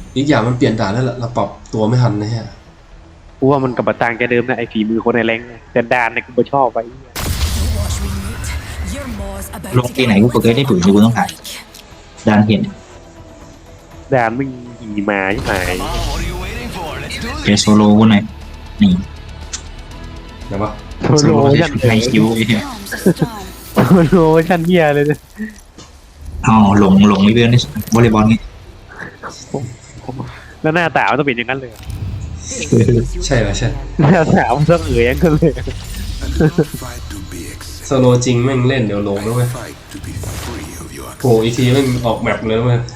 อีกอย่างมันเปลี่ยนด่านแล้วล่ะเราปรับตัวไม่ทันนะฮะกูว่ามันกับบัตรต่างแกเดิมนะไอ้ฝีมือคนในแรงแต่ด่านเนี่ยกูไม่ชอบไปลงที่ไหนกูก็เคยได้ปุ๋ยกูต้องถ่ายดานเห็นด่านมึงหีมาใช่ไหมเจอโซโล่กูหน่อยนี่นะวะโซโซโลโล่ชันในคิวไอ้เหี้ยโซโลชันเฮียเลยเนี่ยอ๋อหลงในเรื่องนี้วอลเลย์บอลนี่แล้วหน้าตามันต้องเป็นอย่างนั้นเลยใช่เหรอใช่หน้าตามันต้องเอ๋ยอย่างนั้นเลยโซโลจริงแม่งเล่นเดี๋ยวลงด้วยโผล่อีกทีแม่งออกแมปเลยเว้ย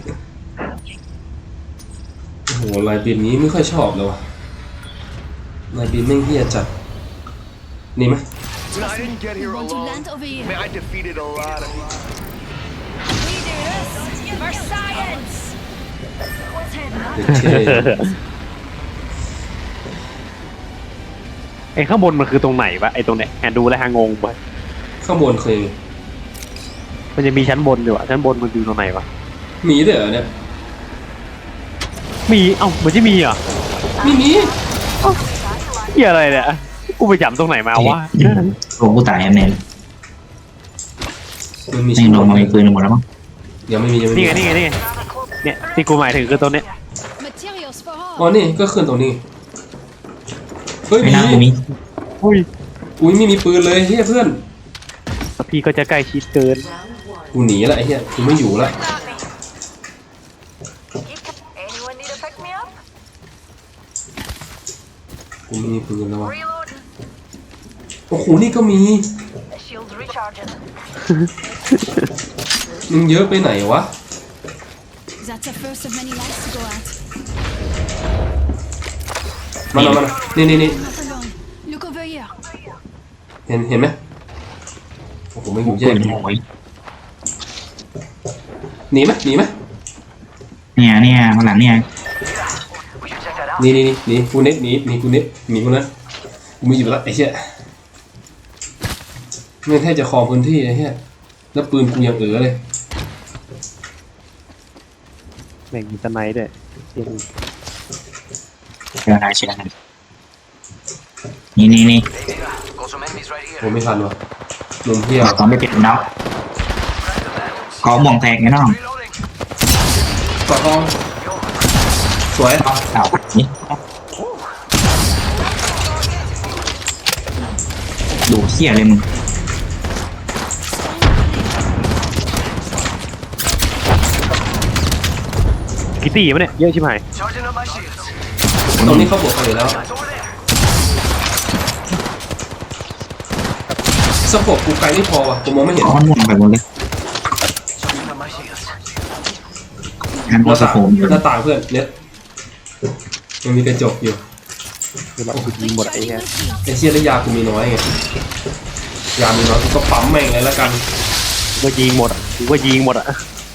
โอ้โหลายบินนี้ไม่ค่อยชอบเลยวะลายบินแม่งเฮี้ยจัดนี่ไหม I didn't get here Want to alone. land over I here? mean, I defeated a lot of. We do this for science. What's heading เด็กเท่ไอ้ข้างบนมันคือตรงไหนวะไอ้ตรงเนี้ยแอนดูแล้วฮางงไปข้างบนเคยมันจะมีชั้นบนด้วยวะชั้นบนมันอยู่ตรงไหนวะมีด้วยเหรอเนี่ยมีเอ้ามันจะมีเหรอไม่มีเฮียอะไรเนี่ยกูไปจับตรงไหนมาวะลงกูตายแอนแนนมันมีแม่งลงมามีปืนหมดแล้วมั้งยังไม่มียังไม่มีนี่ไงเนี่ยที่กูหมายถึงคือตรงเนี้ย materials for อ๋อ all. นี่ก็ขึ้นตรงนี้เฮ้ยไม่มีน่ากูมีอุ้ยอุ้ยไม่มีปืนเลยเฮียเพื่อนแล้วพี่ก็จะใกล้ชิดเกินกูหนีละไอ้เฮียกูไม่อยู่ละ Anyone need to pick me up? กูไม่มีปืนแล้ววะ Reloading. โอ้โหนี่ก็มี The shield's recharging. มึงเยอะไปไหนวะ That's the first of many lights to go out. มาแล้วนี่ Not alone. Look over here. เห็นไหมโอ้โหไม่อยู่แยปืกนหอยหนีไหมเนี่ยข้างหลังเนี่ยนี่กูเน็ตหนีกูเน็ตหนีกูนะกูไม่อยู่ละไอ้เหี้ยไม่แทบจะครองพื้นที่ไอ้เหี้ยแล้วปืนกูยังเลยแม่งมีสไนด์ด้วยเชื่อได้นี่ผมไม่ทันวะมุมเที่ยวตอนไม่เป็นเนาะก็มองแตกไงน้องกอดทองสวยเอานี่ดูเขี้ยเลยมึงกี่ตีมั้ยเนี่ยเยอะชิบหาย Charging up my shields. ตรงนี้เขาบวกกันอยู่แล้ว It's over there. สโคปกูไกลไม่พอว่ะกูมองไม่เห็นอ๋อม่วงไปหมดเลย Charging up my shields. งั้นหกูน้าสะต่างโพมอยู่หน้าต่างเพื่อนเนี่ยมันมีกระจกอยู่คือเรากูยิงหมดไอ้เหี้ยไอ้เชี่ยระยากูมีน้อยไงยามีน้อยกูก็ปั๊มแม่งเลยละกันก็ยิงหมดอ่ะกูก็ยิงหมดอ่ะ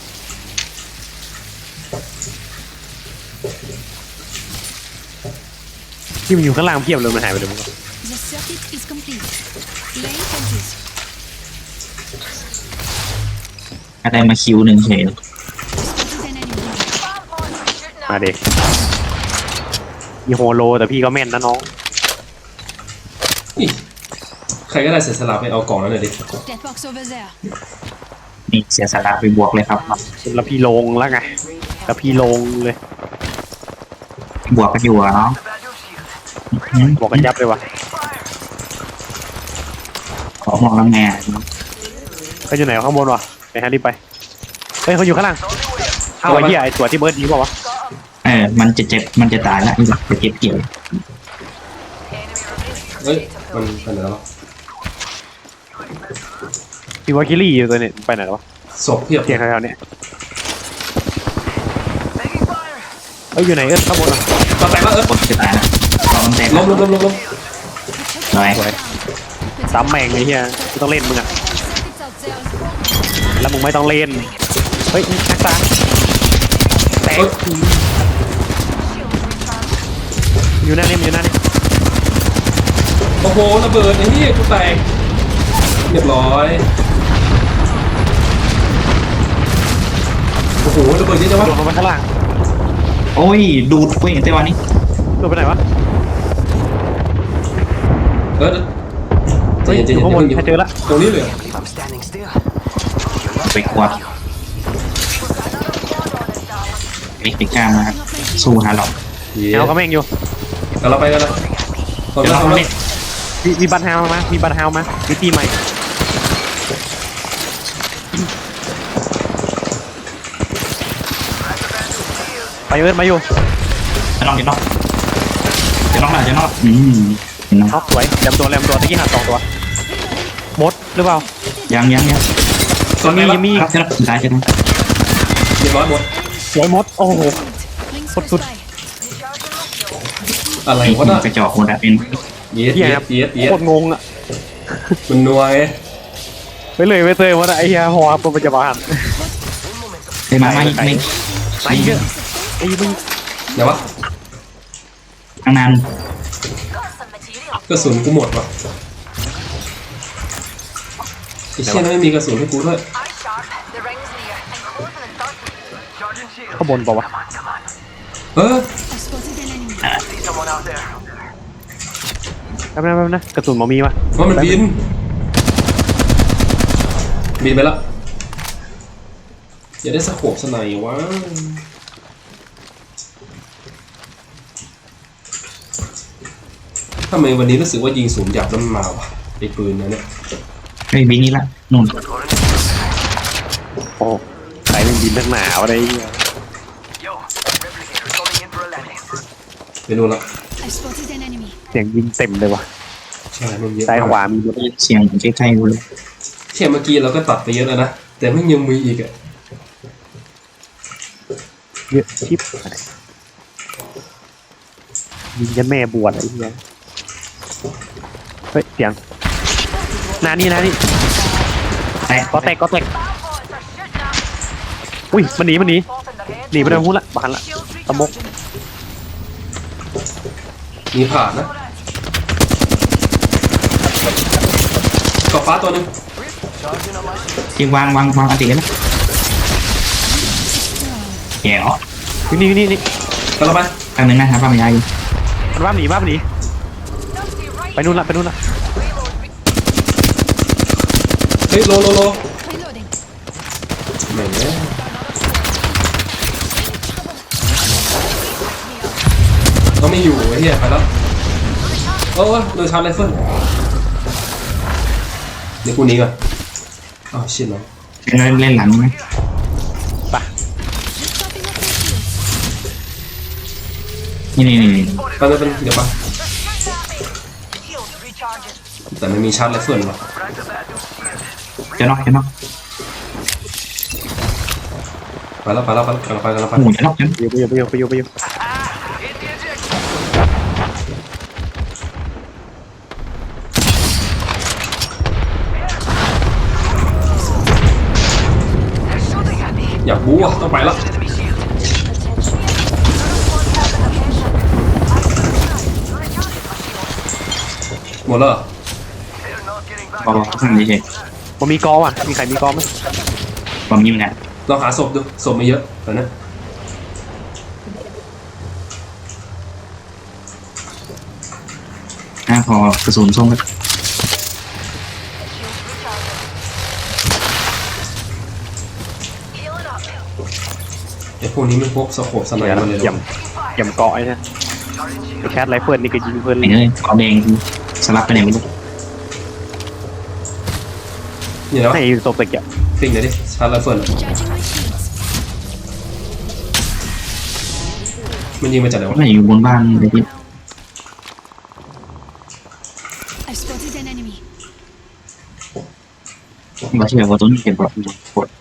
ที่มันอยู่ข้างล่างเพียบเลยมันหายไปเลยมึง The circuit is complete. Lay fences. อะไรมาคิวหนึ่งเฉย Spotted an enemy. มาเด็กมีโฮโลแต่พี่ก็แม่นนะน้องอิใครก็ได้เสียสละไปเอากล่องนั้นหน่อยดิ Dead box over there. นี่เสียสละไปบวกเลยครับแล้วพี่ลงแล้วไงแล้วพี่ลงเลยบวกกันอยู่อะเนาะบอกกันยับเลยว่ะขอมองแล้วแง่เขาอยู่ไหนข้างบนวะไปฮะรีบไปเฮ้ยเขาอยู่ข้างล่างเอาไอ้เหี้ยไอ้ตัวที่เบิร์ดยิงเปล่าวะมันจะเจ็บมันจะตายแล้วจะเจ็บเกี่ยวเฮ้ยมันไปไหนแล้ววะพี่ว่าคิรี่อยู่ตัวนี้ไปไหนแล้ววะศพเพียบเสียงแถวๆเนี้ยเอ้ยอยู่ไหนข้างบนอ่ะมาแตกแล้วคนจะตายแล้วรอมันแตกล้มหน่อยสวยซ้ำแม่งไอ้เหี้ยไม่ต้องเล่นมึงอ่ะ Circuits out there. แล้วมึงไม่ต้องเล่นเฮ้ยนักตาแตกอยู่หน้านี่มันอยู่หน้านี่โอ้โหระเบิดไอ้นี่กูแตกเรียบร้อยโอ้โหระเบิดเยอะจังวะโดนลงมาข้างล่างโอ้ยดูดเว้ยแต่วันนี้ตัวไปไหนวะเออใจเฮ้ยเย็นอใจยู่เย็นข้างบนอย่าใครเพิ่งเจอละตรงนี้เลย If I'm standing still, ไปกวาดไปกล้ามาสู้ฮาร์ล็อกเย้แอลก็แม่งอยู่กันเราไปกันแล้วพร้อมเดี๋ยวแล้วเราพร้อมทำแล้นี่วมีบัตรฮาวมามีบัตรฮาวมามีตีใหม่ไปเอิร์ดมาอยู่จะนอกหน่อยเห็นนอกเห็นนอกท็อปสวยแรมตัวตะกี้หัก2 ตัวมดหรือเปล่ายังส่วนนี้ยังมีครับจะสุดท้ายใช่ไหมเรียบร้อยหมดสวยมดโอ้โห Wings What for good? spy. อะไรไอ้วะน่ะกระจอกหมดอะเป็นเย็ดเหี้ยเย็ดเย็ดเย็ดโคตรงงอ่ะมันนัวไงไปเลยไปเตยว่าไอ้เหี้ยหัวตัวปัจจุบันไอ้มาไม่ไอ้เหี้ยไอ้มึงเดี๋ยววะตั้งนาน Got some material. กระสุนกูหมดวะไอ้เชี่ยนั่นไม่มีกระสุนให้กูด้วย Eye sharp. The ring's near. And closing and starting. charging shield. ข้างบนเปล่าวะเออ I've spotted an enemy. See someone out there. แป๊บนะกระสุนหมอมีวะว่ามันบินไปแล้วอย่าได้สะโขบสไนวะทำไมวันนี้รู้สึกว่ายิงสูงหยับแล้วมันมาวะไอ้ปืนนะเนี่ยไอ้บินนี่ละนู่นโอ้ใครเป็นบินนักหนาวอะไรเงี้ย Yo, replicator calling in for a landing. ไปนู่นละ I've spotted an enemy. เสียงยิงเต็มเลยวะใช่มันเยอะซ้ายขวามีเสียงใกล้ๆกูเลยเชี่ยเมื่อกี้เราก็ตัดไปเยอะแล้วนะแต่ไม่ยังมีอีกอะเยอะชิบยิงยันแม่บวชอะไรเงี้ยเฮ้ยเสียงนานี่แต่ก็แตก Bad boys are shooting up. อุ้ยมันหนี Both in the head. หนีไปทางหุ้นละบานละ Shields ตะมก recharging. มีผ่านนะกอบฟ้าตัวหนึง Charging on my shield. ที่วางอันติกันนะแย่ออกนี่กันเราไปครั้งหนึ่งนะครับป้าไม่ยายมันว่าหนี Dusty right. ไปนู่นละ Reload. เฮ้ยโล Reloading. แหม่งเนี่ยเขาไม่อยู่ไอ้เหี้ยไปแล้วโอ้ยโดนชาร์จไรเฟิลเดี๋ยวกูหนี้ก่อนอ้าวชิดเนาะเล่นหลังไหมไป Just topping up my shields. นี่ไปเดี๋ยวไป Shields recharging. แต่ไม่มีชาร์จไรเฟิลว่ะจะนอกไปแล้วกันเราไปหมูจะนอกไปอยู่อยากบู๊อ่ะต้องไปแล้ว Enemy shield. หมดแล้วเหรอ They're not getting back. บอกข้างนี้เฉยมันมีกอว่ะมีใครมีกอไหมผมยิ้มนะลองหาศพดูศพไม่เยอะแต่นะพอกระสุนส่งก็ Healing up. ไอ้พวกนี้ไม่พกสโคปสไนเดี๋ยวมาเลยเหรอย่ำเกาะไอ้เนี่ยไอ้แคทไรเฟิลนี่ก็ยิงเพื่อนไอ้เลยขอแดงสลับไปไหนไม่รู้นี่แล้วให้ตกตะเกียบปิ้งหน่อยดิชาร์จไรเฟิล Charging my shields. มันยิงมาจากไหนวะไม่อยู่บนบ้านเลยที่ I've spotted an enemy. บอกที่แบบว่าต้นเก็บแบบปวด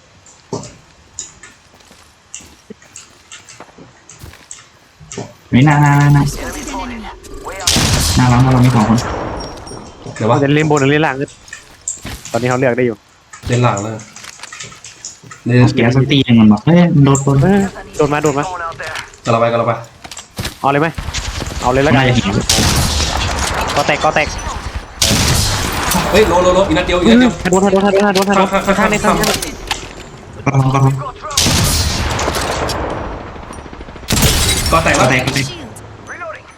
ไม่น่า I've spotted an enemy. น่ารักเราไม่ของคนเดี๋ยววะจะเล่นบนหรือเล่นล่างก็ตอนนี้เขาเลือกได้อยู่เล่นหลังแล้วเล่นแกสตีนึงมันบอกเฮ้ยโดนคนโดนมา Going out there. กันเราไปเอาเลยไหมเอาเลยแล้วกัน่าน จะเห็นก็แตกเฮ้ยโลอีกนัดเดียวโดนข้างในก็ลอง Got trouble. ก็แตกก็แล้วแตกก็แตก Shield. Reloading.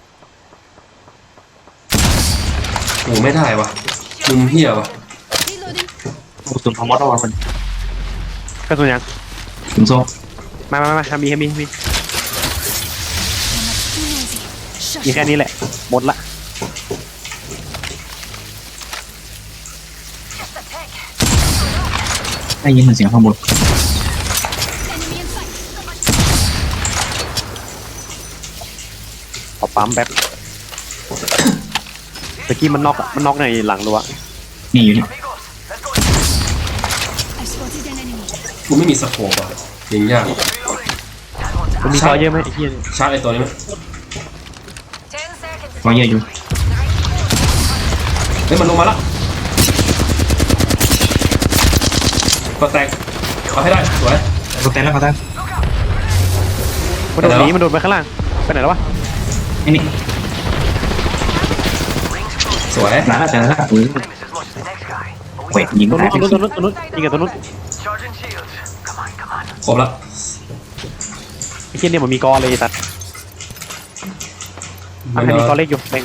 โอ้ไม่ได้วะมุมเหี้ยวะ Reloading. กระสุนพอมอสเอามันกระสุนยังถึงโซ่มามี Too noisy. Shush. มีแค่นี้แหละหมดละ Just a tick. ได้ยินเหมือนเสียงข้างบน Enemy in sight. ขอปั๊มแป๊บตะกี้มันน็อกในหลังรั้วนี่อยู่นี่ Amigos, let's go. I spotted an enemy. กูไม่มีสโคปอ่ะยิงยาก Reloading. มันมีซอยเยอะไหมไอ้เหี้ยชาร์จไอ้ตัวนี้ไหม 10 seconds. พอเยอะอยู่เฮ้ยมันลงมาแล้วก็แตกเอาให้ได้สวยก็แตกแล้วก็แตกมันโดดหนีมันโดดไปข้างล่างไปไหนแล้ววะนี่นี่สวยหลานอาจจะละอุ้ย Famous as much as the next guy. But we เวทยิงตัวตายนู้นยิงกับตัวนู้น charging shields. Come on, come on. ครบละไอ้เหี้ยเนี่ยมันมีกอเลยไอ้สัตว์อันนี้กอเล็กอยู่แบ่ง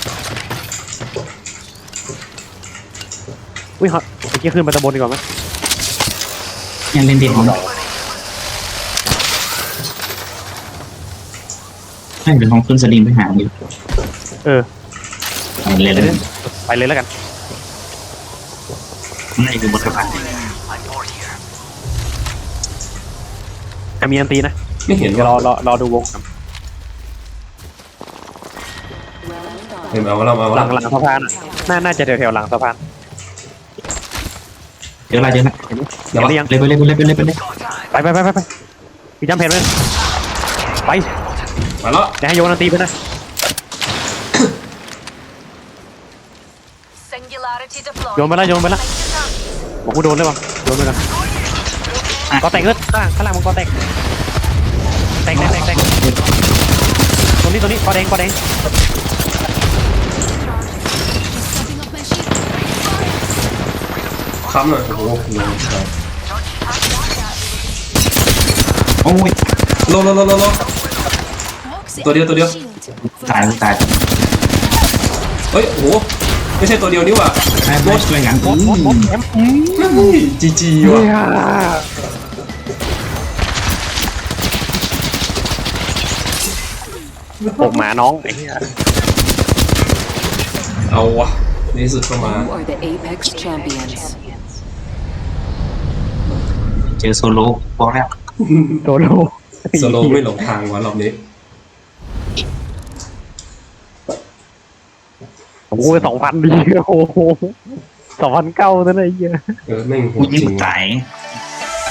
อุ้ยฮะไอ้เหี้ยขึ้นไปตะบนดีกว่าไหมยังเล่นเด่นของเราให้เป็นห้องขึ้นสลิงไปหาอยู่เออเล่นเลยไปเลยแล้วกันนี่คือบทสะพาน I'm bored here. จะมีอันตีนะไม่เห็นเดี๋ยวว่ะรอดูวงครับเห็นเอาแล้วเอาหลัแล้วงสะพานอะน่าจะแถวหลังสะพานเดี๋ยวอะไรเดี๋ยวนะเห็นหรือยังเลยไปเลยไปเลยไปเลยไปเลยไปพี่จำเพจเลยไปมาแล้วเดี๋ยวให้โยนอันตีไปนะ Singularity deployed. โยนไปแล้วบอกกูโดนได้ป่ะโยนไปกันกอแตกเลยข้างล่างมันกอแตกตัวนี้กอแดง Stepping off my shield. ค้ำหน่อยโอ้โหโลใช่โอ้ยโล Toxic. ตัวเดียว Shield. ตายตายเฮ้ยโอ้โหไม่ใช่ตัวเดียวนี่หว่าใช่ช่วยงานหมดแอมจีว่ะปกหมาน้องไอ้เหี้ยเอาวะในที่สุดก็มา You are the Apex champions. เจอโซโล่บอกแล้วโดนโลโซโลไม่หลงทางวะรอบนี้โอ้ย2,000ดีโอ้โห2,900นั่นไอ้เหี้ยแม่งโหกูดจยิงริงตายว่ะ